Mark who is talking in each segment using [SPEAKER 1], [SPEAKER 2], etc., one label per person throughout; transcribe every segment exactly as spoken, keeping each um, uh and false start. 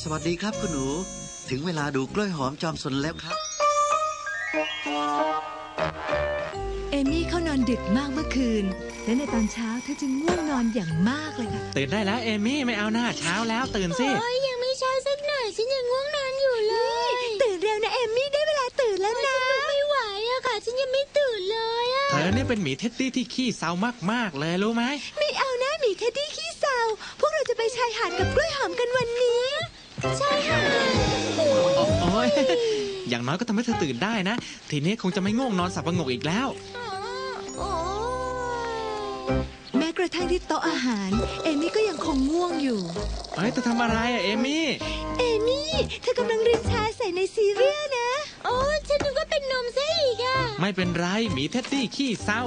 [SPEAKER 1] สวัสดีครับคุณหนูถึงเวลาดูกล้วยหอมจอมสนแล้วครับ
[SPEAKER 2] เอมี่เขานอนดึกมากเมื่อคืนและในตอนเช้าเธอจึงง่วงนอนอย่างมากเลยค่ะ
[SPEAKER 3] ตื่นได้แล้วเอมี่ไม่เอาหน้าเช้าแล้วตื่นสิ
[SPEAKER 4] โอ้ยยังไม่เช้าสักหน่อยฉันยังง่วงนอนอยู่เลย
[SPEAKER 2] ตื่นเร็วนะเอมี่ได้เวลาตื่นแล้วนะ
[SPEAKER 4] ฉันไม่ไหวอะค่ะฉันยังไม่ตื่นเลยอะ
[SPEAKER 3] เธอเนี่ยเป็นหมีเท็ดดี้ที่ขี้เศร้ามากๆเลยรู้ไหม
[SPEAKER 2] ไม่เอานะหมีเท็ดดี้ขี้เศร้าพวกเราจะไปชายหาดกับกล้วยหอมกันวันนี้
[SPEAKER 4] ใช่ค่ะ
[SPEAKER 3] โอ้ยอย่างน้อยก็ทำให้เธอตื่นได้นะทีนี้คงจะไม่ง่วงนอนสับประงกอีกแล้ว
[SPEAKER 2] แม้กระทั่งที่โต๊ะอาหารเอมี่ก็ยังคงง่วงอยู่
[SPEAKER 3] เฮ้ยเธอทำอะไรอะเอมี่
[SPEAKER 2] เอมี่เธอกำลังรินชาใส่ในซีเรียลนะ
[SPEAKER 4] โอ้ฉันนึกว่าเป็นนมซะอีกอะ
[SPEAKER 3] ไม่เป็นไรหมีเท็ดดี้ขี้เศร้า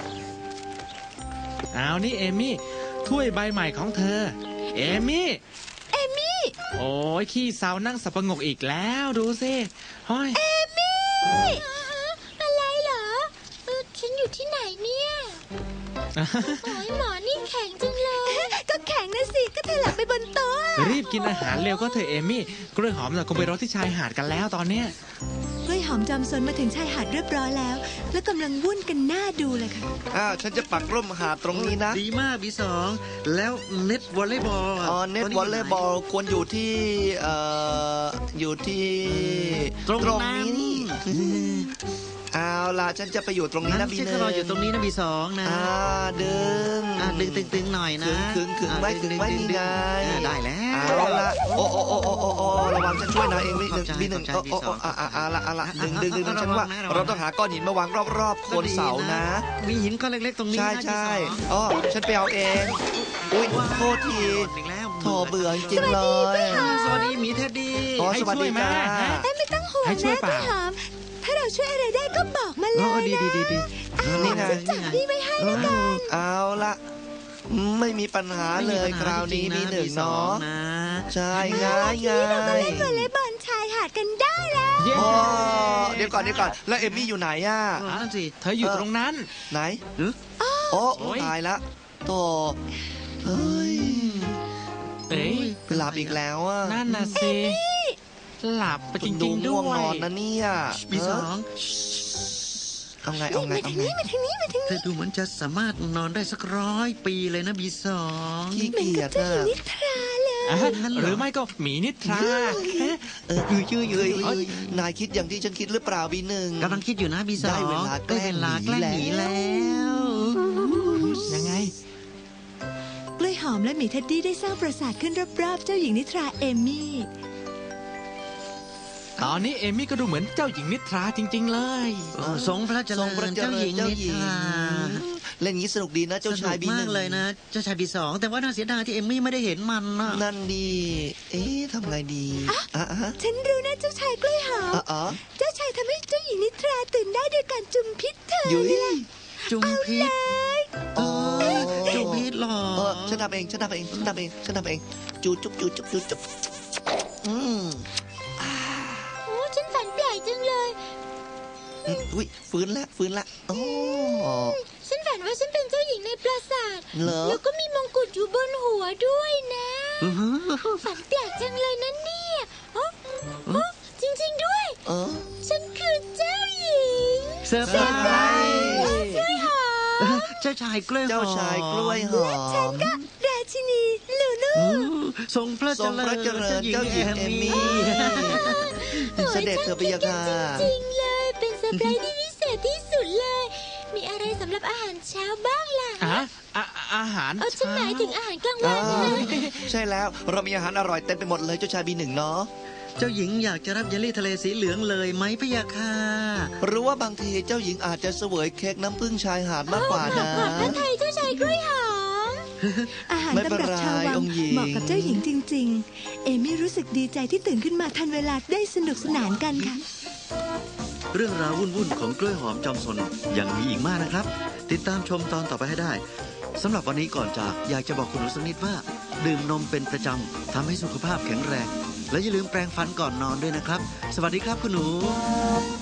[SPEAKER 3] เอานี่เอมี่ถ้วยใบใหม่ของเธอเอมี่
[SPEAKER 2] เอมี่
[SPEAKER 3] โอ้ยขี้เศร้านั่งสับประงกอีกแล้วดูสิเฮ้ย
[SPEAKER 2] เอมี่
[SPEAKER 4] อะไรเหรอเออฉันอยู่ที่ไหนเนี่ยโอ้ยหมอนี่แข็งจังเลย
[SPEAKER 2] ก็แข็งนะสิก็เธอหลับไปบนโต๊ะ
[SPEAKER 3] รีบกินอาหารเร็วก็เถอะเอมี่กล้วยหอมน่ะคงไปรอที่ชายหาดกันแล้วตอนเนี้ย
[SPEAKER 2] กล้วยหอมจอมซนมาถึงชายหาดเรียบร้อยแล้วและกำลังวุ่นกันหน้าดูเลยค่ะ
[SPEAKER 5] อ้าวฉันจะปักร่มหาดตรงนี้นะ
[SPEAKER 1] ดีมากบีสองแล้วเน็ตวอลเลย์บอล
[SPEAKER 5] อ๋อเน็ตวอลเลย์บอลควรอยู่ที่เอ่ออยู่ที่
[SPEAKER 1] ตรงนี้นี่
[SPEAKER 5] เอาล่ะฉันจะไปอยู่ตรงนี้นะบีหนึ่ง
[SPEAKER 1] ฉันก็รออยู่ตรงนี้นะบีสองนะ
[SPEAKER 5] อ่าดึง
[SPEAKER 1] อ่าดึงตึงๆหน่อยนะ
[SPEAKER 5] ขึงขึงไว้ขึงไว้นี่ไง
[SPEAKER 1] ได้แล้ว
[SPEAKER 5] เอาล่ะโอ้โอ้โอ้โอ้โอ้โอ้ระวังฉันช่วยนายเองบีหนึ่งบีหนึ่งโอ้โอ้อ่าอ่าละอ่าละดึงดึงดึงฉันว่าเราต้องหาก้อนหินมาวางรอบๆโคนเสานะ
[SPEAKER 1] มีหินก้อนเล็กๆตรงนี้
[SPEAKER 5] ใช่ใช่อ๋อฉันไปเอาเองอุ้ยโทษทีโถเบื่อจริงเลย
[SPEAKER 1] สวัสดีหมีเท็ดดี้
[SPEAKER 5] ให้ช่วยไหม
[SPEAKER 2] ไม่ต้องห่วงนะกล้วยหอมถ้าเราช่วยอะไรได้ก็บอกมาเลยนะ
[SPEAKER 1] ดีดีดีดี
[SPEAKER 5] นี่ไง
[SPEAKER 2] จับนี่ไว้ให้แล้วกัน
[SPEAKER 5] เอาละไม่มีปัญหาเลยคราวนี้มีหนึ่งเนาะใช่ง่ายง่าย
[SPEAKER 2] เราก็เล่นวอลเลย์บอลชายหาดกันได้แล้ว
[SPEAKER 5] เดี๋ยวก่อนเดี๋ยวก่อนแล้วเอมี่อยู่ไหนอ่ะ
[SPEAKER 1] นั่นสิ
[SPEAKER 3] เธออยู่ตรงนั้น
[SPEAKER 5] ไหนโอ้ตายละโตเฮ้ย
[SPEAKER 3] เอ้ย
[SPEAKER 5] หลับอีกแล้วอ่ะ
[SPEAKER 3] นั่นน่ะสิหลับไปจริงๆด้วย
[SPEAKER 5] นอนนะเนี่ย
[SPEAKER 1] บีสอง
[SPEAKER 5] เอาไงเอาไงเอาไง
[SPEAKER 2] มาทางนี้มาทางนี้
[SPEAKER 1] เธอดูเหมือนจะสามารถนอนได้สักร้อยปีเลยนะบีสอง
[SPEAKER 5] ขี้เกียจ
[SPEAKER 2] อะนิทราเลย
[SPEAKER 3] หรือไม่ก็หมีนิทรา
[SPEAKER 5] เออยืดยืดยืดนายคิดอย่างที่ฉันคิดหรือเปล่าบีหนึ่ง
[SPEAKER 1] กำลังคิดอยู่นะบีสอง
[SPEAKER 5] ได้เวลาแกล้งหนี
[SPEAKER 1] แล้ว
[SPEAKER 3] ยังไง
[SPEAKER 2] กล้วยหอมและหมีเท็ดดี้ได้สร้างปราสาทขึ้นรอบๆเจ้าหญิงนิทราเอมี่
[SPEAKER 3] ตอนนี้เอมี่ก็ดูเหมือนเจ้าหญิงนิทราจริงๆเลย
[SPEAKER 1] ทรงพระเจริญเจ้าหญิงนิทรา
[SPEAKER 5] เล่นงี้สนุกดีนะเจ้าชายบีหนึ่ง
[SPEAKER 1] มากเลยนะเจ้าชายบีสองแต่ว่าน่าเสียดายที่เอมี่ไม่ได้เห็นมันนะ
[SPEAKER 5] นั่นดีเอ๊ะทำไงดี
[SPEAKER 2] อ่ะฉันรู้นะเจ้าชายกล้วยหอมเจ้าชายทำให้เจ้าหญิงนิทราตื่นได้ด้วยการจุ่มพิษเธอเลย
[SPEAKER 1] จุ่มพิษจุ่มพิษหรอ
[SPEAKER 5] ฉันทำเองฉันทำเองฉันทำเองฉันทำเองจูจุ๊บจูจุ๊บจูจุ๊บอืม
[SPEAKER 4] ฉันฝันแปลกจังเลย
[SPEAKER 5] อุ้ยฟื้นละฟื้นละโอ้
[SPEAKER 4] ฉันฝันว่าฉันเป็นเจ้าหญิงในปราสาทแล้วก็มีมงกุฎอยู่บนหัวด้วยนะฝันแปลกจังเลยนะเนี่ยจริงๆด้วยฉันคือเจ้าหญิง
[SPEAKER 1] เซอร์ไพรส์
[SPEAKER 4] กล้วยหอม
[SPEAKER 1] เจ้าชายกล้วยหอม
[SPEAKER 5] เจ้าชายกล้วยหอม
[SPEAKER 2] ฉันก็ราชินีลูลู
[SPEAKER 1] ทรงพระเจริญเจ้าหญิงเอมี่
[SPEAKER 5] เสด็จเธอไปยังค่ะ
[SPEAKER 4] จริงเลยเป็นเซอร์ไพรส์ที่พิเศษที่สุดเลยมีอะไรสำหรับอาหารเช้าบ้างล่ะ
[SPEAKER 3] อะอาหาร
[SPEAKER 4] เออฉันหมายถึงอาหารกลางวันนะ
[SPEAKER 5] ใช่แล้วเรามีอาหารอร่อยเต็มไปหมดเลยเจ้าชายบีหนึ่งเนาะ
[SPEAKER 1] เจ้าหญิงอยากจะรับเยลลี่ทะเลสีเหลืองเลยไหมพะยะค่ะ
[SPEAKER 5] หรือว่าบางทีเจ้าหญิงอาจจะเสวยเค้กน้ำผึ้งชายหาดมากกว่านะ
[SPEAKER 4] ขอบพระทัยเจ้าชายกล้วยหอม
[SPEAKER 2] อาหารตำรับชาววังเหมาะกับเจ้าหญิงจริงๆเอมี่รู้สึกดีใจที่ตื่นขึ้นมาทันเวลาได้สนุกสนานกันค่ะ
[SPEAKER 1] เรื่องราววุ่นๆของกล้วยหอมจอมซนยังมีอีกมากนะครับติดตามชมตอนต่อไปให้ได้สำหรับวันนี้ก่อนจากอยากจะบอกคุณหนูสักนิดว่าดื่มนมเป็นประจำทำให้สุขภาพแข็งแรงและอย่าลืมแปรงฟันก่อนนอนด้วยนะครับสวัสดีครับคุณหนู